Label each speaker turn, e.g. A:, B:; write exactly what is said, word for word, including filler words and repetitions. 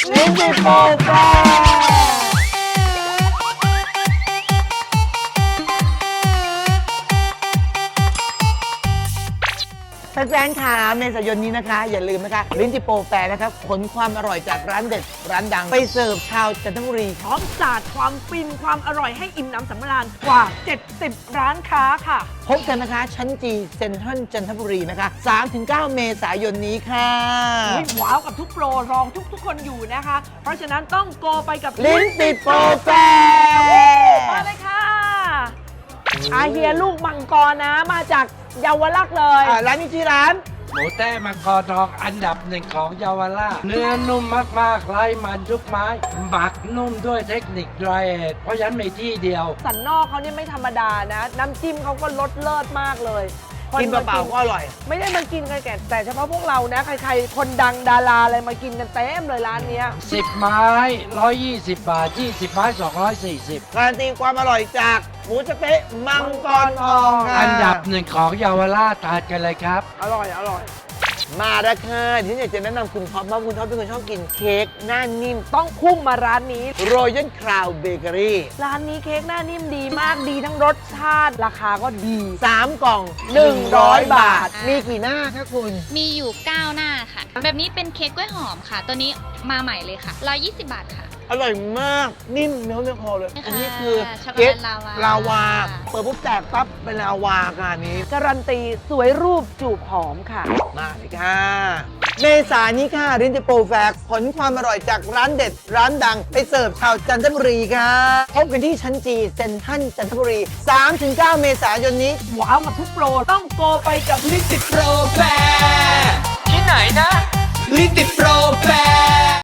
A: ลิ้นจี่โปรแฟแฟนๆค่ะเมษายนนี้นะคะ อย่าลืมนะคะลิ้นจี่โปรแฟร์นะครับขนความอร่อยจากร้านเด็ดร้านดัง ไปเสิร์ฟชาวจันทบุรี
B: พร้อมสาดความฟินความอร่อยให้อิ่มน้ำสำราญกว่า เจ็ดสิบ ร้านค้าค่ะ
A: พบกันนะคะ ชั้นจีเซ็นทรัลจันทบุรีนะคะ สามถึงเก้า เมษายนนี้ค่ะ
B: อุ๊ยว้าวกับทุกโปรรองทุกทุกๆคนอยู่นะคะ เพราะฉะนั้นต้องโกไปกับ
A: ลิ้นจี่โปรแฟร์
B: มาเลยค่ะอาเฮียลูกมังกรนะมาจากเยาวราชเลย
A: อ่าร้านนี้ชื่อร้าน
C: หมูแต้มังกรทองอันดับหนึ่งของเยาวราชเนื้อนุ่มมากๆไร้มันทุกไม้หมักนุ่มด้วยเทคนิค dry age เพราะฉะนั้นมีที่เดียว
B: สันนอกเขาเนี่ยไม่ธรรมดานะ น้ำจิ้มเขาก็รสเลิศมากเลยค
A: กินเปล่าๆก็อร่อย
B: ไม่ได้มากินกันแก่แต่เฉพาะพวกเรานะ ใครๆ คนดังดาราอะไรมากินกันเต็มเลยร้านเนี้ย
C: สิบ ไม้ หนึ่งร้อยยี่สิบ บาท ยี่สิบ ไม้ สองร้อยสี่สิบ
A: การันตีความอร่อยจากหมูสะเต๊ะมังกรทองค่ะ
C: อันดับหนึ่งของเยาวราชทานกันเลยครับ
B: อร่อยอร่อย
A: มาแล้วค่ะที่ฉันอยากจะแนะนำคุณท็อปว่าคุณท็อปเป็นคนชอบกินเค้กหน้านิ่ม
B: ต้องพุ่งมาร้านนี้
A: Royal Crown Bakery
B: ร้านนี้เค้กหน้านิ่มดีมากดีทั้งรสชาติราคาก็ดี
A: สามกล่อง หนึ่งร้อย บาท
D: อ่ามี
A: มีกี่หน้าคะคุณ
D: มีอยู่ เก้า หน้าค่ะ แบบนี้เป็นเค้กกล้วยหอมค่ะ ตัวนี้มาใหม่เลยค่ะ หนึ่งร้อยยี่สิบ บาทค่ะ
A: อร่อยมาก นิ่มเนื้อเนื้อคอเลย
D: ค่ะ
A: อันนี้คือ
D: ช็อกโกแลต
A: เค้ก
D: ลาวา
A: ลาวา เปิดปุ๊บแตกปั๊บเป็นลาวาค่ะอันนี้
B: การันตีสวยรูปจูบหอมค่ะ
A: มาเลยค่ะ เมษายนนี้ค่ะรินจิโปรแฟกผลความอร่อยจากร้านเด็ดร้านดัง ไปเสิร์ฟชาวจันทบุรีค่ะ พบกันที่ชั้นจีเซ็นทรัลจันทบุรี สามถึงเก้า เมษายนนี้
B: ว้าวกับทุกโปรต้องโกไปกับลิ
E: ลิติโปรแฟร์ที่ไหนนะลิติโปรแฟร์